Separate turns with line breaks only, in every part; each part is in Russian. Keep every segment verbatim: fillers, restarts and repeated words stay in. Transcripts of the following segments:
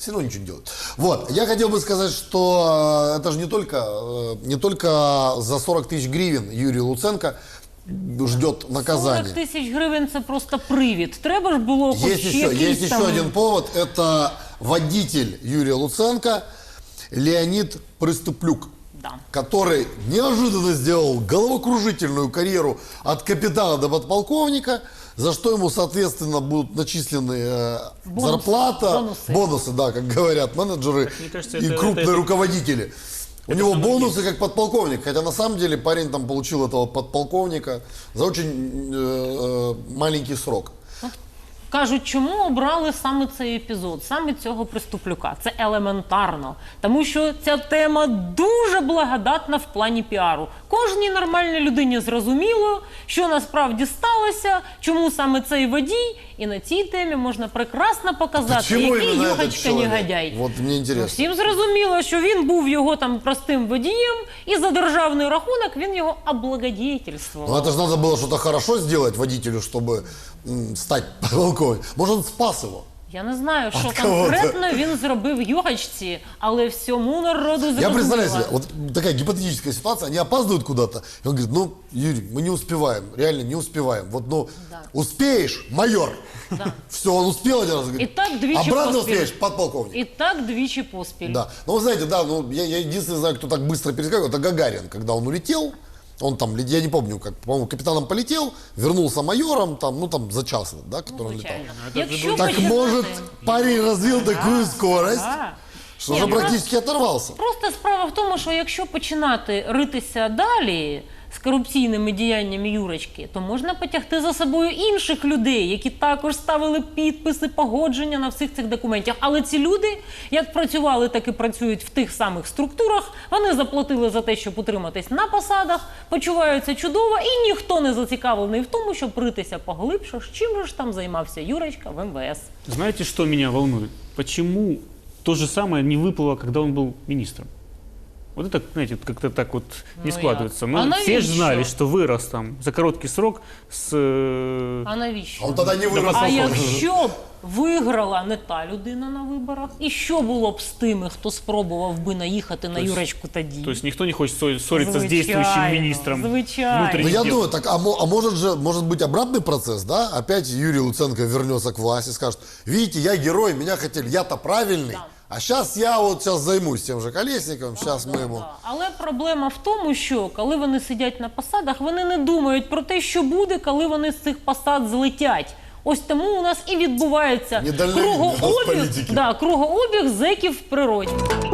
все равно ничего не делают. Вот, я хотел бы сказать, что это же не только, не только за сорок тысяч гривен Юрий Луценко ждет наказание.
сорок тысяч гривен – це просто привід. Треба ж було хоч
Есть еще,
якийсь
есть
там...
еще один повод. Это водитель Юрия Луценко Леонид Приступлюк,
Да.
который неожиданно сделал головокружительную карьеру от капитана до подполковника, за что ему, соответственно, будут начислены э,
Бонусы.
зарплата,
Бонусы.
бонусы, да, как говорят менеджеры
мне кажется,
и
это-
крупные
это- это-
руководители. У
это
него
самое
бонусы как подполковник, хотя на самом деле парень там получил этого подполковника за очень э, э, маленький срок.
Кажуть, чому обрали саме цей епізод, саме цього Приступлюка? Це елементарно, тому що ця тема дуже благодатна в плані піару. Кожній нормальній людині зрозуміло, що насправді сталося, чому саме цей водій, і на цій темі можна прекрасно показати,
Чому
який
іменно этот
югачка-негодяй.
Вот мне
Ну,
интересно.
всім зрозуміло, що він був його там простим водієм, і за державний рахунок він його облагодетельствував.
Ну это же надо было что-то хорошо сделать водителю, чтобы м, стать подполковником. Может, он спас его?
Я не знаю, що
От кого-то.
конкретно він зробив югачці, але всьому народу зрозуміло.
Я представляю себе, вот такая гипотетическая ситуация, они опаздывают куда-то, и он говорит, ну, Юрий, мы не успеваем, реально не успеваем. Вот, ну,
Да.
успеешь, майор.
Да.
Все, он успел один раз, говорит,
И так двічі
обратно
поспіль.
успеешь, подполковник.
І так двічі поспіль.
Да. Ну, вы знаете, да, ну, я, я единственный знаю, кто так быстро перескакивал, это Гагарин, когда он улетел, он там, я не помню, как, по-моему, капитаном полетел, вернулся майором, там, ну, там, за час, да, который он летал.
Звичайно.
это же
Якщо
було-
Так
починати-
может, парень развил такую скорость,
Да.
что
Ні,
уже
ну,
практически оторвался.
Просто справа в тому, що якщо починати ритися далі з корупційними діяннями Юрочки, то можна потягти за собою інших людей, які також ставили підписи, погодження на всіх цих документах. Але ці люди, як працювали, так і працюють в тих самих структурах, вони заплатили за те, щоб утриматись на посадах, почуваються чудово, і ніхто не зацікавлений в тому, щоб ритися поглибше, чим же ж там займався Юрочка в эм вэ эс.
Знаете, что меня волнует? Почему то же самое не выплыло, когда он был министром? Вот это, знаете, как-то так вот не
Ну
складывается.
як?
Ну,
А
все же
навіщо?
знали, что вырос там за короткий срок с... э,
А навіщо?
Он тогда не вырос.
А
на
якщо б виграла не та людина на виборах, і що було б з тими, хто спробував би наїхати на
есть-
Юрочку тоді?
То есть никто не хочет ссор- ссориться с
Звичайно,
действующим министром
звичайно.
Ну,
внутренних
я
дел.
думаю, так, а, мо- а может же, может быть обратный процесс, да? Опять Юрий Луценко вернется к власти и скажет, видите, я герой, меня хотели, я-то правильный,
Да.
а сейчас я вот сейчас займусь тем же Колесниковым, сейчас мы ему...
Да. Але проблема в тому, що коли вони сидять на посадах, вони не думають про те, що буде, коли вони з цих посад злетять. Ось тому у нас і відбувається
Недальновидні
кругообіг,
політики.
да, кругообіг зеків в природі.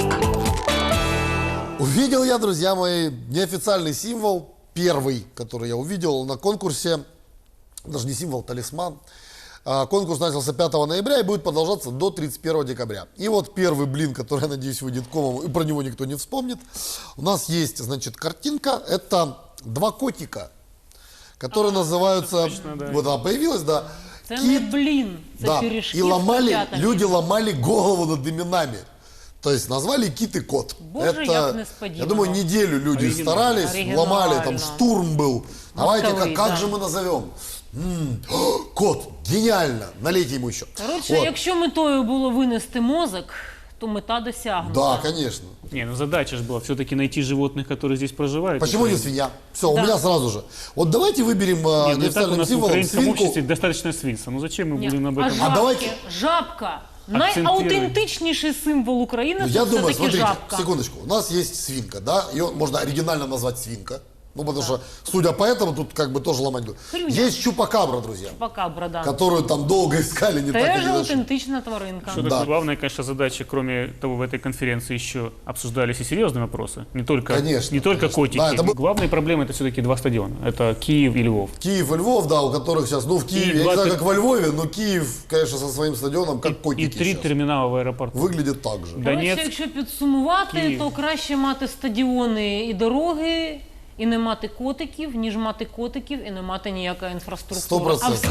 Увидел я, друзья мои, неофициальный символ, первый, который я увидел на конкурсе, даже не символ, талисман. А, Конкурс начался пятого ноября и будет продолжаться до тридцать первого декабря. И вот первый блин, который, я надеюсь, выйдет комом, и про него никто не вспомнит. У нас есть, значит, картинка, это два котика, которые называются,
точно, да.
вот она появилась, да,
Це не блін, це
да,
пиріжки
и
з
ломали,
котятами.
люди ломали голову над именами. То есть назвали кит и кот.
Боже, як несподівано.
я думаю, неделю люди
Оригинально.
старались,
Оригинально.
ломали, там штурм был. Давайте,
Мозговые,
как, как
да.
же мы назовем? М, о, кот, гениально, налейте ему еще.
Коротше,
Вот.
якщо метою було винести мозок, то мета досягнута.
Да, конечно.
Не, ну задача же была все-таки найти животных, которые здесь проживают.
Почему не
Украине.
свинья? Все, у
Да.
меня сразу же. Вот давайте выберем э,
Не, ну и так у
неофициальным
нас в
символом
украинском
свинку.
обществе достаточно свинца. Ну зачем мы
Ні.
будем об
А
этом?
жабки,
давайте-
жабка.
Акцентируй.
Найаутентичніший символ України
Ну,
це
я думаю,
все-таки
смотрите,
жабка.
секундочку, у нас есть свинка, да, ее можно оригинально назвать свинка. Ну, потому что, судя по этому, тут как бы тоже ломать будет.
Хрюня.
Есть чупакабра, друзья,
Чупакабра, да.
которую там долго искали, не так и
Теж
не нашли.
аутентична тваринка.
Что
Да.
такое главная, конечно, задача, кроме того, в этой конференции еще обсуждались и серьезные вопросы. Не только,
Конечно,
не только
конечно.
котики.
Да, это был-
Главная проблема это все-таки два стадиона. Это Киев и Львов.
Киев и Львов, да, у которых сейчас, ну, в Киеве,
И
я не
два
знаю,
пер-
как во Львове, но Киев, конечно, со своим стадионом, как
И
котики
три
сейчас.
терминала в аэропорту.
Выглядит так же.
Да.
Коротше,
Донецьк,
якщо підсумувати,
Київ.
то краще мати стадіони і дороги, і не мати котиків, ніж мати котиків і не мати ніякої інфраструктури.
Сто процентов.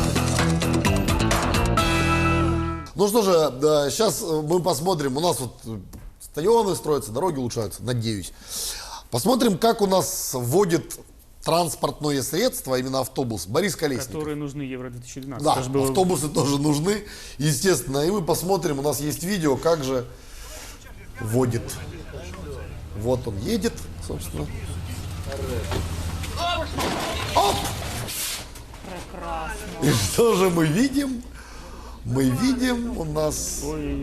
Ну что же, да, сейчас мы посмотрим, у нас вот э, стадионы строятся, дороги улучшаются, надеюсь. Посмотрим, как у нас вводит транспортное средство, а именно автобус, Борис Колесников.
Которые нужны Евро две тысячи двенадцать.
Да,
Это ж было-
автобусы тоже нужны, естественно. И мы посмотрим, у нас есть видео, как же водит. Вот он едет, собственно. Оп!
Прекрасно.
И что же мы видим? Мы видим у нас...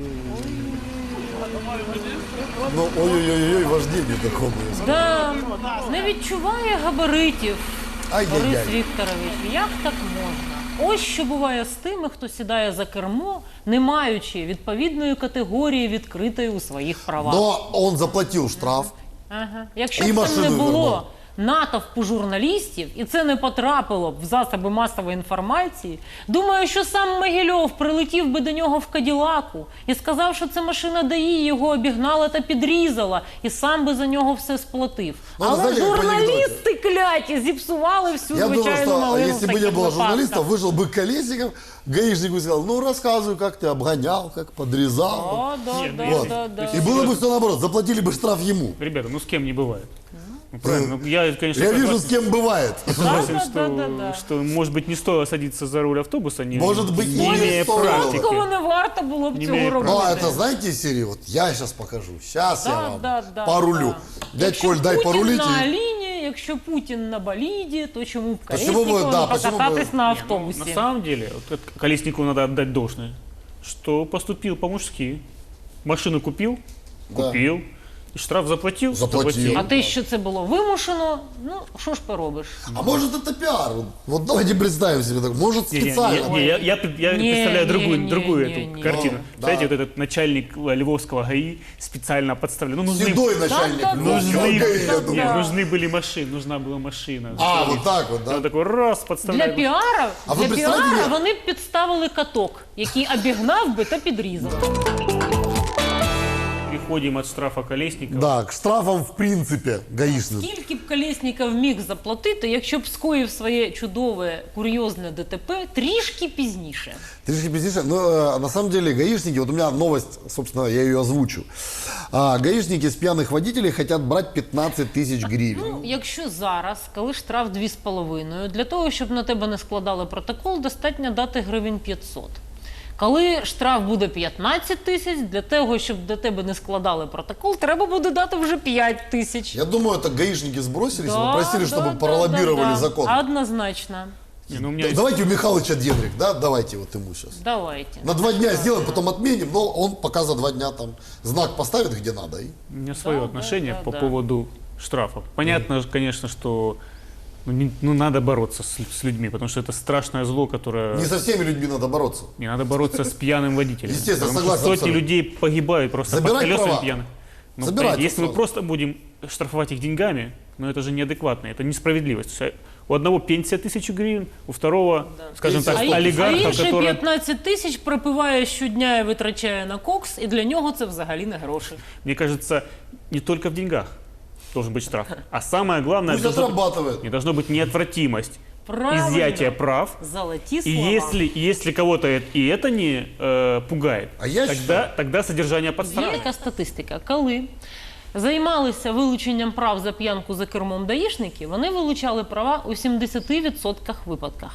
Ну, ой-ой-ой, вождение такое.
Да, не відчуває габаритів. Борис
Ай-яй-яй.
Вікторович, як так можна? Ось що буває з тими, хто сідає за кермо, не маючи відповідної категорії відкритої у своїх правах.
Но он заплатил штраф.
Ага. Якщо
І
б там
машину
не було
вернув.
натовпу журналістів, і це не потрапило б в засоби масової інформації, думаю, що сам Могильов прилетів би до нього в Каділаку і сказав, що це машина ДАІ, його обігнала та підрізала, і сам би за нього все сплатив.
Ну,
Але
знаєте, як в
журналісти кляті зіпсували всю
Я думаю,
звичайну
что
малину в
если бы не
таких
было
випадках.
журналиста, вышел бы Колесников, гаишник бы сказал, ну рассказывай, как ты обгонял, как подрезал.
О, да,
Нет,
да,
ну,
Вот.
да, да.
И было бы все наоборот, заплатили бы штраф ему.
Ребята, ну с кем не бывает. Ну, правильно. Ну, я, конечно,
Я вижу,
согласен,
с кем бывает.
согласен,
Да,
что,
да, да, да.
что, может быть, не стоило садиться за руль автобуса, не,
Может быть,
не
и не
имея
стоило.
практики.
Кого не варто було б
Не
цього
має
робити.
Ну, а это знаете из серии, вот я сейчас покажу, сейчас я
Да,
вам
да, да,
порулю.
да.
Дядь
Якщо
Коль, дай
Путін
порулить.
на
и-
Аліні, якщо Путін на боліді, то чому б
Почему бы,
Колєснікову
да,
не
почему бы-
покататись на
На
автобусі?
самом деле, вот это Колесникову надо отдать должное, что поступил по-мужски. Машину купил,
Да.
купил, и штраф заплатил,
Заплатил.
А те, що це було вимушено, ну що ж поробиш?
А может это пиар? Вот давайте представим себе так. Может
Не, не,
специально.
не, не, я, я, я
Не,
представляю
не,
другую,
не,
другую
не,
эту
не.
картину.
Ну,
Знаете,
да.
вот этот начальник Львовского ГАИ специально подставлял. Ну, нужны,
Седой начальник.
Да, да,
ну,
да,
нужны,
седой,
да,
я
да,
думаю.
нет,
да.
нужны были машины, нужна была машина.
А, вот так вот,
И
да?
он такой раз
Для
подставляет.
піара,
А ви
для
представляєте,
піара
як?
вони б підставили каток, який обігнав би та підрізав.
Переходим от штрафа Колесникова.
Да, к штрафам в принципе гаишным.
Скільки б Колєсніков міг заплатити, якщо б скоїв своє чудове, курйозне ДТП трішки пізніше?
Трішки пізніше. Ну, э, на самом деле, гаишники, вот у меня новость, собственно, я ее озвучу. А, гаишники с пьяных водителей хотят брать пятнадцать тысяч гривен.
Ну, якщо зараз, коли штраф дві з половиною, для того, щоб на тебе не складали протокол, достатньо дати гривень п'ятсот. Коли штраф буде п'ятнадцять тисяч, для того, щоб до тебе не складали протокол, треба буде дати вже п'ять тисяч.
Я думаю, это гаишники сбросились и
Да,
попросили,
да,
чтобы
да,
пролоббировали
да, да.
закон.
Однозначно.
Не, ну, у меня
Да-
есть-
Давайте у Михалыча денег, да? Давайте вот ему сейчас.
Давайте.
На два дня сделаем, потом отменим, но он пока за два дня там знак поставит, где надо. И...
У меня свое
Да,
отношение
да,
по
да.
поводу штрафов. Понятно, конечно, что ну, не- ну, надо бороться с, с людьми, потому что это страшное зло, которое...
Не со всеми людьми надо бороться.
Не надо бороться с пьяным водителем.
Естественно,
потому
согласен
что сотни
абсолютно.
людей погибают просто
Забирать
под колесами
права.
пьяных. Ну,
Забирать
понимаете, если мы
сразу.
просто будем штрафовать их деньгами, ну это же неадекватно, это несправедливость. То есть, у одного пенсия тысячу гривен, у второго, скажем
Пенсия
так,
сто.
А, й- а
олигарха,
інший
который...
п'ятнадцять тисяч пропиває щодня і витрачає на кокс, і для нього це взагалі не гроші.
Мне кажется, не только в деньгах должен быть штраф, а самое главное,
Пусть
должно быть-
отрабатывает.
не должно быть неотвратимость
Правильно.
изъятия прав.
Золоті
И
слова.
если, если кого-то это- и это не э, пугает,
А я
тогда,
считаю-
тогда содержание под
Є
стражей.
така статистика, коли займалися вилученням прав за п'янку за кермом даїшники, вони вилучали права у сімдесят відсотків випадках.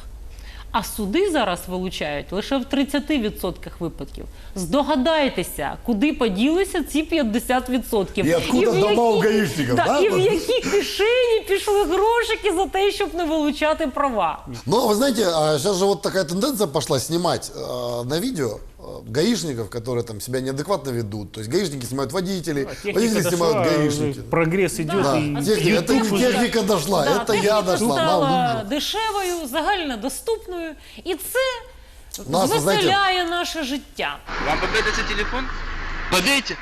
А суди зараз вилучають лише в тридцять відсотків випадків. Здогадайтеся, куди поділися ці п'ятдесят відсотків.
І откуда
в
дома у
які-
гаїшників,
да,
да?
і в які кишені пішли грошики за те, щоб не вилучати права.
Но вы знаете, сейчас же вот такая тенденция пошла снимать э, на видео э, гаишников, которые там себя неадекватно ведут. То есть гаишники снимают водителей,
А техника
водители
дошла,
снимают
уже
гаишники.
прогресс идет.
Да,
и
техника, это
YouTube
не
уже-
техника дошла,
Да,
это я
техніка
дошла. на
стала
лыжу.
дешевою, загальнодоступною, і це
Нас, ви знаєте-
звеселяє наше життя.
Вам побити це телефон?
Побейте.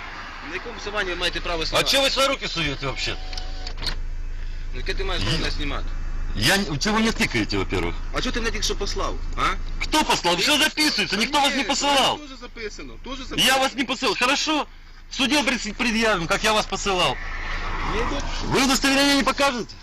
На якому основанні ви маєте право
А
знімати?
чего вы свои руки суете вообще?
Ну яке ти маєш право мене знімати?
Я... не- Чего вы не тыкаете, во-первых?
А чого ти мене тільки що послав? А?
Кто послал? Все записывается, никто вас не посылал.
Дуже записано, дуже записано.
Я вас не посылал. Хорошо. В суде пред- предъявим, как я вас посылал. Вы удостоверение не покажете?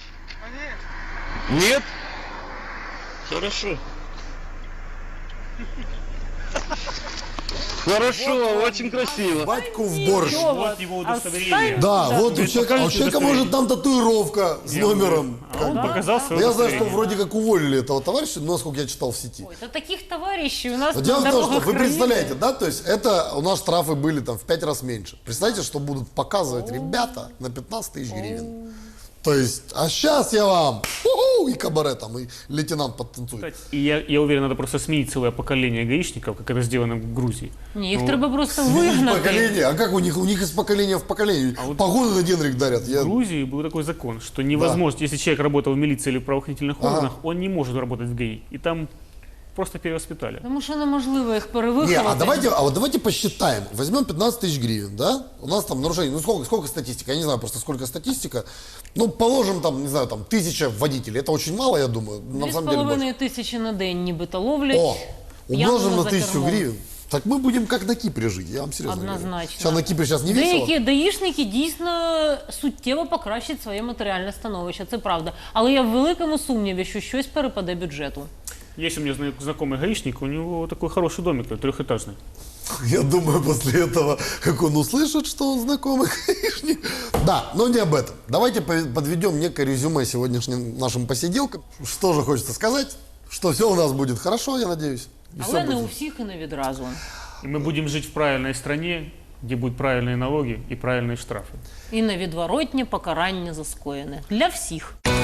Нет? Хорошо. Хорошо, очень красиво.
Батьку в борщ.
Ничего,
Вот его удостоверение.
оставь-
Да, вот у
Теперь
человека, а у
покажите
человека может там татуировка с
Я
номером.
говорю, А он показал
Но
свое
я знаю, что
удостоверение.
вроде как уволили этого товарища, но насколько я читал в сети.
Ой, да таких товарищей у нас
Но
на
дело в том, что
дорогах
вы
крови.
представляете, да, то есть это у нас штрафы были там в пять раз меньше. Представьте, что будут показывать ребята на пятнадцать тысяч гривен. То есть, а сейчас я вам у-ху, и кабаре там, и лейтенант подтанцует.
И я, я уверен, надо просто сменить целое поколение гаишников, как это сделано в Грузии.
Ні, їх
Ну,
треба просто
Сменить
вигнати.
поколение, а как у них? У них из поколения в поколение.
А вот-
Погоны на денрик дарят. Я...
В Грузии был такой закон, что невозможно, если человек работал в милиции или в правоохранительных
Ага.
органах, он не может работать в ГАИ. И там просто перевоспитали.
Тому що неможливо їх
Не,
перевиховати.
а давайте, а вот давайте посчитаем. Возьмем пятнадцать тысяч гривен, да? У нас там нарушений, ну сколько, сколько статистика? Я не знаю просто сколько статистика. Ну, положим там, не знаю, там тысяча водителей. Это очень мало, я думаю. На
Дві з
самом деле больше.
половиною тисячі на день нібито ловлять.
О, умножим
п'яного
на
за
тысячу
кермом.
гривен. Так мы будем как на Кипре жить, я вам серьезно говорю.
Однозначно.
Сейчас на Кипре сейчас не весело.
Деякі даїшники дійсно суттєво покращать своє матеріальне становище, це правда. Але я в великому сумніві, що щось перепаде бюджету.
Есть у меня зна- знакомый гаишник, у него такой хороший домик, трехэтажный.
Я думаю, после этого, как он услышит, что он знакомый гаишник. Да, но не об этом. Давайте по- подведем некое резюме сегодняшним нашим посиделкам. Что же хочется сказать? Что все у нас будет хорошо, я надеюсь. И всё
Але не
будет.
у всіх і не відразу.
И мы будем жить в правильной стране, где будут правильные налоги и правильные штрафы.
І невідворотнє покарання за скоєне. Для всіх.